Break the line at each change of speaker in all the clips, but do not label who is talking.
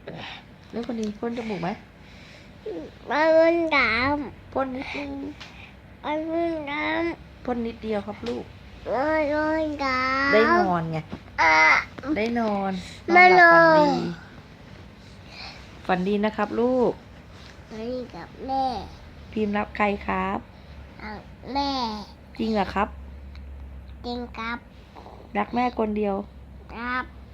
แล้วคนนี้พ่นจมูกไหม
มาเล่นน้
พ่นนิดนึง
ำมาเล่นน้
พ่นนิดเดียวครับลูก
ำมาเล่นน้ำ
ได้นอนไง
อ่ะ
ได้นอน
ไม่
หลับ
นอน
ฝันดีนะครับลูก
ไปกับแม่
พิมพ์รับใครครับ
กับแม่
จริงเหรอครับ
จริงครับ
รักแม่คนเดียว
ครับ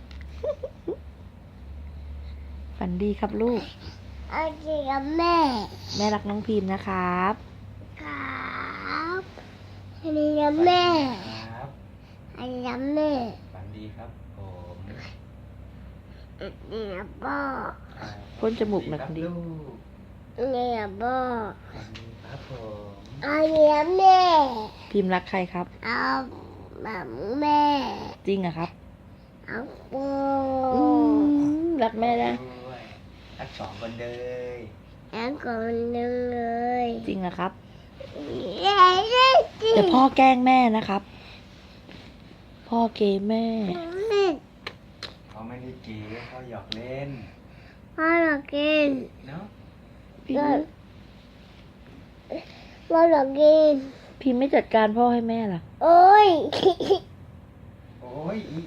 ฝันดีครับลูก
เอาจริงกับแม่
แม่รักน้องพิมพ์นะครับ
ครับอันนี้กับแม่
ครับ
อันนี้กับแม่
ฝันดีครับผม
อันนี้กับพ่อ
พ่นจมูกหน่อย
ค
ครับ นดี
ลูก
อันนี้กับพ่อ
ฝันดีครับผม
อันนี้กับแม่
พิมพ์รักใครครับ
เอาแบบแม่
จริงเหรอครับ
เอาปู
รักแม่นะ
ด้วยทั้งสองคนเลย
แล้วคนหนึ่งเลย
จริงเหรอครับ
เย้เย้จริง
เดี๋ยวพ่อแกล้งแม่นะครับ พ่อเกย์แม่
เขาไม่ได้เก๋เขาหยอกเล่น
พ่อเรากิน
เนาะ
พิมพ์
พ่อเรากิน
พิมพ์ไม่จัดการพ่อให้แม่ล่ะ
โอ้ย
โอ้ยอี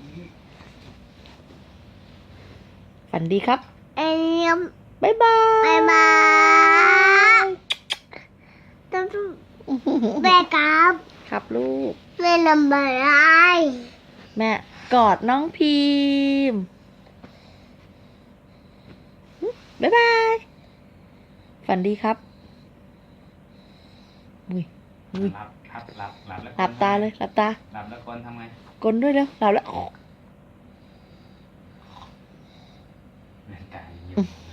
ฝันดีครับ
ไอ้เนี่ย
บ๊ายบาย
บายบายต้องแม่ครับ
ครับลูก
แม่นำอะไร
แม่กอดน้องพิมพ์บ๊ายบาย ฝันดีครับอุ้ยอุ้ย
หลับครับหลับแล้ว
หลับตาเลยหลับตา
หลับแล้วคนทำไง
กลนด้วยเร็วหลับแล้ว
เล่นตาอยู่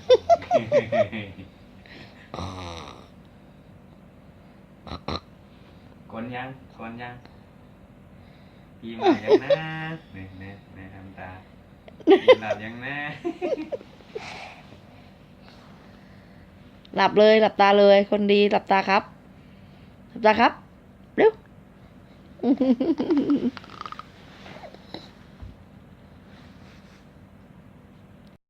กลนยังกลนยังพีมหลับยังนะเนี่ยทำตาพีมหลับยังนะ
หลับเลยหลับตาเลยคนดีหลับตาครับ หลับตาครับเร็ว